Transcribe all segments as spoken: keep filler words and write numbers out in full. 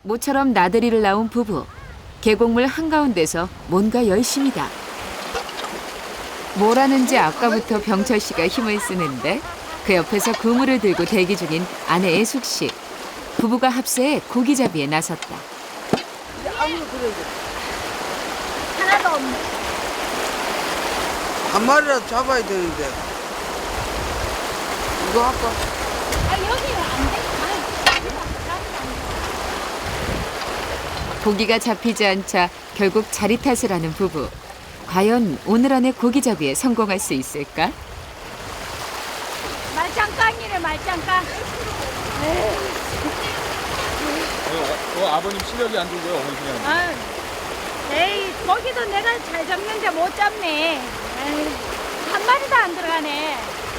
모처럼 나들이를 나온 부부. 계곡물 한가운데서 뭔가 열심이다. 뭘 하는지 아까부터 병철 씨가 힘을 쓰는데 그 옆에서 그물을 들고 대기 중인 아내 애숙 씨. 부부가 합세해 고기잡이에 나섰다. 하나도 없네. 한 마리라도 잡아야 되는데. 이거 할까? 아, 여기는 안 돼. 고기가 잡히지 않자 결국 자리 탓을 하는 부부. 과연 오늘 안에 고기잡이에 성공할 수 있을까? 말짱깡이래, 말짱깡. 어, 어, 아버님 실력이 안 좋고요, 어머니 그냥. 아유, 에이, 거기도 내가 잘 잡는데 못 잡네. 에이, 한 마리도 안 들어가네.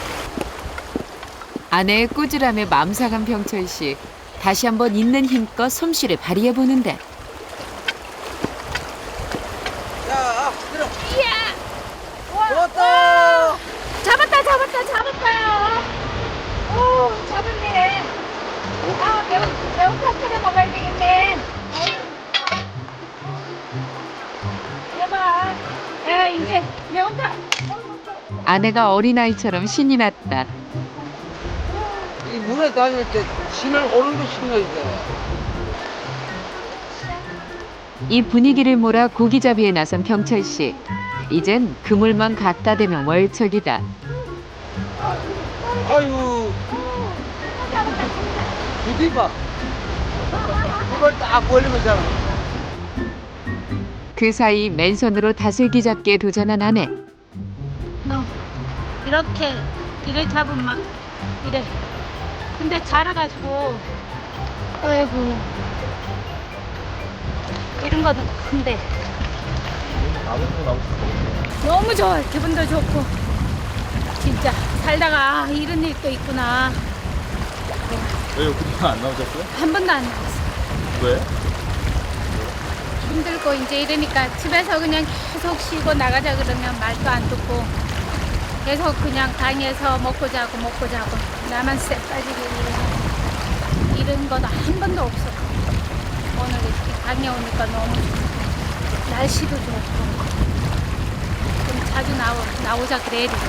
아내의 꾸지람에 맘상한 병철 씨. 다시 한번 있는 힘껏 솜씨를 발휘해 보는데 자, 들어. 이야! 와, 잡았다. 와, 잡았다, 잡았다, 잡았어요. 오, 잡았네. 아, 매운, 매운탕 끓여 먹어야 되겠네. 대박. 야, 이제 매운탕. 아내가 어린아이처럼 신이 났다. 이 물에 다닐 때 신을 오른도 신어야 돼. 이 분위기를 몰아 고기잡이에 나선 병철 씨. 이젠 그물만 갖다 대면 월척이다. 아유, 부디 봐. 이걸 딱 벌리면 잡아. 그 사이 맨손으로 다슬기 잡기에 도전한 아내. 너 이렇게 이래 잡으면 막 이래. 근데 자라가지고 아이고 이런 것도 큰데 아버님도 나오고 싶어. 너무 좋아. 기분도 좋고 진짜 살다가 아, 이런 일도 있구나. 왜요? 그동안 안 나오셨어요? 한 번도 안 나왔어. 왜? 힘들고 이제 이러니까 집에서 그냥 계속 쉬고 나가자 그러면 말도 안 듣고 계속 그냥 강에서 먹고 자고 먹고 자고 나만 쎄 빠지게 이러고 이런 거도 한 번도 없어. 오늘 이렇게 강에 오니까 너무 좋고 날씨도 좋고 좀 자주 나오, 나오자 그래야 돼.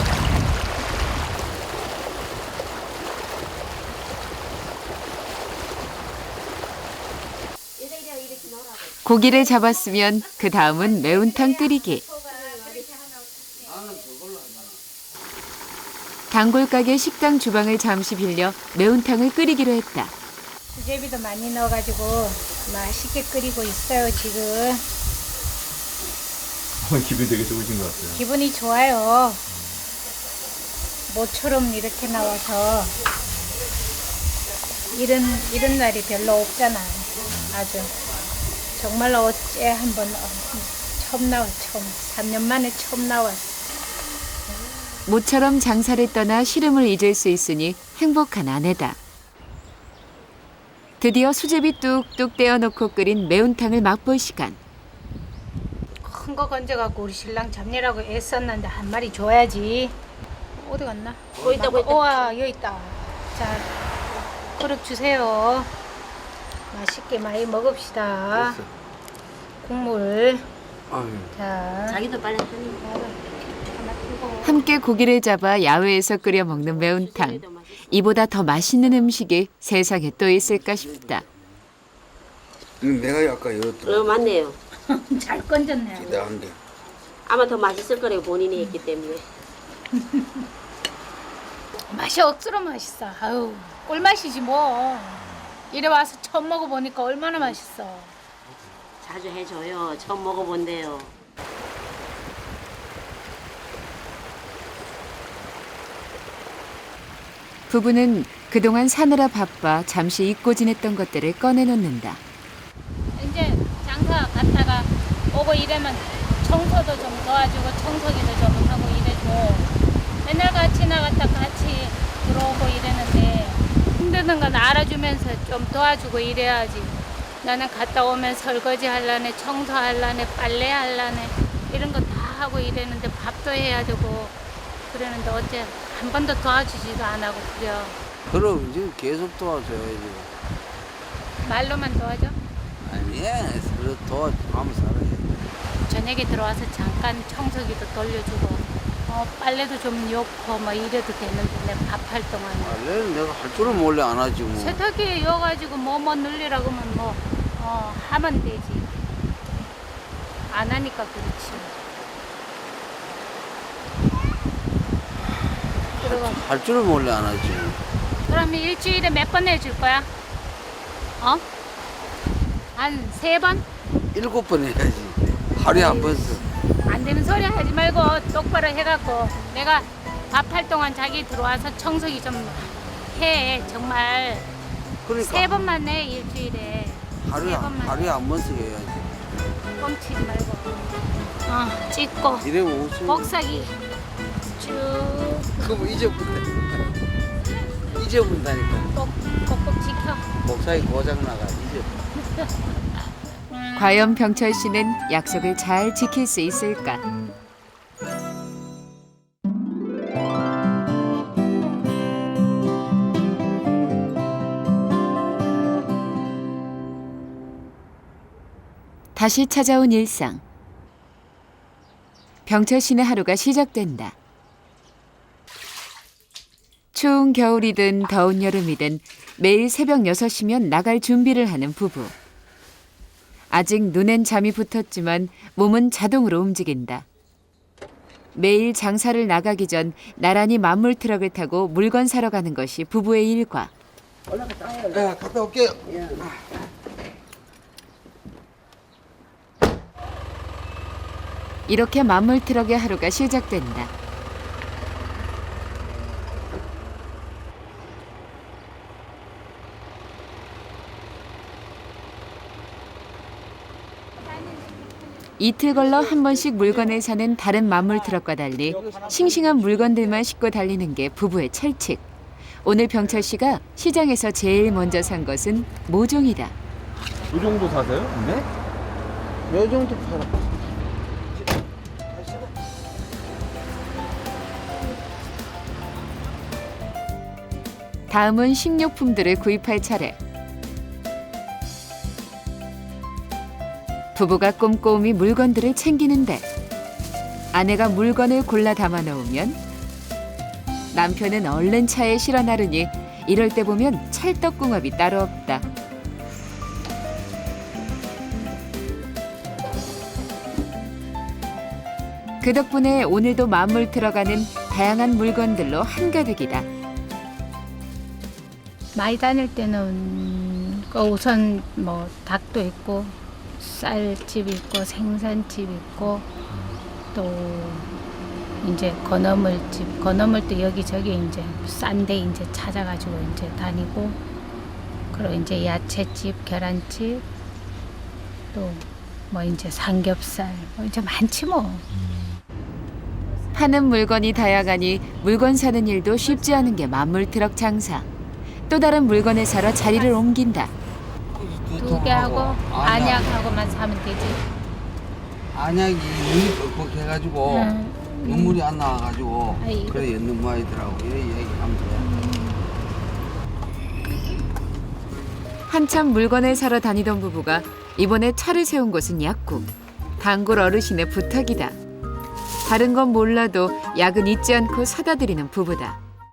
고기를 잡았으면 그 다음은 매운탕 끓이기. 단골 가게 식당 주방을 잠시 빌려 매운탕을 끓이기로 했다. 수제비도 많이 넣어가지고 맛있게 끓이고 있어요 지금. 어머니 기분이 되게 좋으신 것 같아요. 기분이 좋아요. 모처럼 이렇게 나와서 이런 이런 날이 별로 없잖아요. 아주 정말로 어째 한번 처음 나와 처음 삼 년 만에 처음 나왔어. 모처럼 장사를 떠나 시름을 잊을 수 있으니 행복한 아내다. 드디어 수제비 뚝뚝 떼어놓고 끓인 매운탕을 맛볼 시간. 큰 거 건져갖고 우리 신랑 잡내라고 애썼는데 한 마리 줘야지. 어디 갔나? 거기 있다, 거기 있다. 우와 여기 있다. 자 그릇 주세요. 맛있게 많이 먹읍시다. 국물. 아유. 자 자기도 빨리 하니. 하나 뜨고. 함께 고기를 잡아 야외에서 끓여 먹는 매운탕. 이보다 더 맛있는 음식이 세상에 또 있을까 싶다. 음, 내가 아까 이랬더라. 어, 맞네요. 잘 건졌네. 기대한데. 아마 더 맛있을 거라고 본인이 했기 때문에. 맛이 억수로 맛있어. 아유 꿀맛이지 뭐. 이래 와서 처음 먹어보니까 얼마나 맛있어. 자주 해줘요. 처음 먹어본대요. 부부는 그동안 사느라 바빠 잠시 잊고 지냈던 것들을 꺼내놓는다. 이제 장사 갔다가 오고 이러면 청소도 좀 도와주고 청소기도 좀 하고 이래줘. 맨날 같이 나갔다 같이 들어오고 이러는데 힘드는 건 알아주면서 좀 도와주고 이래야지. 나는 갔다 오면 설거지 하려네, 청소하려네, 빨래 하려네 이런 거 다 하고 이랬는데 밥도 해야 되고 그러는데 어째 한 번도 도와주지도 안 하고 그래요. 그럼 이제 계속 도와줘야지. 말로만 도와줘? 아니, 서로 도와주면 살아야지. 저녁에 들어와서 잠깐 청소기도 돌려주고 어, 빨래도 좀 넣고 뭐 이래도 되는데 내가 밥할 동안에 원래는 내가 할 줄은 몰래 안 하지 뭐. 세탁기에 이어가지고 뭐뭐 늘리라고 하면 뭐 어, 하면 되지. 안 하니까 그렇지. 그리고 할 줄은 몰래 안 하지. 그러면 일주일에 몇 번 해줄 거야? 어? 한 세 번? 일곱 번 해야지. 하루에 한 번 써. 안 되는 소리 하지 말고 똑바로 해갖고 내가 밥할 동안 자기 들어와서 청소기 좀 해. 정말 그러니까 세 번만 해 일주일에. 하루에 세 한- 번만 하루에 한 번 써야지. 뻥치지 말고. 어, 찍고 이러면 웃음. 복사기 쭉 그거 잊어본다니까. 잊어본다니까. 꼭, 꼭꼭 지켜. 목사이 고장 나가 잊어. 과연 병철 씨는 약속을 잘 지킬 수 있을까? 다시 찾아온 일상. 병철 씨의 하루가 시작된다. 추운 겨울이든 더운 여름이든 매일 새벽 여섯 시면 나갈 준비를 하는 부부. 아직 눈엔 잠이 붙었지만 몸은 자동으로 움직인다. 매일 장사를 나가기 전 나란히 만물 트럭을 타고 물건 사러 가는 것이 부부의 일과. 야, 갔다 올게요. 이렇게 만물 트럭의 하루가 시작된다. 이틀 걸러 한 번씩 물건을 사는 다른 만물 트럭과 달리 싱싱한 물건들만 싣고 달리는 게 부부의 철칙. 오늘 병철 씨가 시장에서 제일 먼저 산 것은 모종이다. 이 정도 사세요? 네? 요 정도 팔아. 다음은 식료품들을 구입할 차례. 부부가 꼼꼼히 물건들을 챙기는데 아내가 물건을 골라 담아 놓으면 남편은 얼른 차에 실어 나르니 이럴 때 보면 찰떡궁합이 따로 없다. 그 덕분에 오늘도 만물 들어가는 다양한 물건들로 한가득이다. 많이 다닐 때는 그 우선 뭐 닭도 있고 쌀집 있고 생선집 있고 또 이제 건어물집 건어물도 여기저기 이제 싼데 이제 찾아가지고 이제 다니고 그리고 이제 야채집 계란집 또 뭐 이제 삼겹살 뭐 이제 많지 뭐. 파는 물건이 다양하니 물건 사는 일도 쉽지 않은 게 만물 트럭 장사. 또 다른 물건을 사러 자리를 옮긴다. 두 개 하고 안약하고만 사면 되지. 안약이 눈이 뻑뻑해가지고 응. 눈물이 안 나와가지고 아이고. 그래 연는 모아이더라고 이래 얘기하면 돼. 한참 물건을 사러 다니던 부부가 이번에 차를 세운 곳은 약국. 단골 어르신의 부탁이다. 다른 건 몰라도 약은 잊지 않고 사다 드리는 부부다.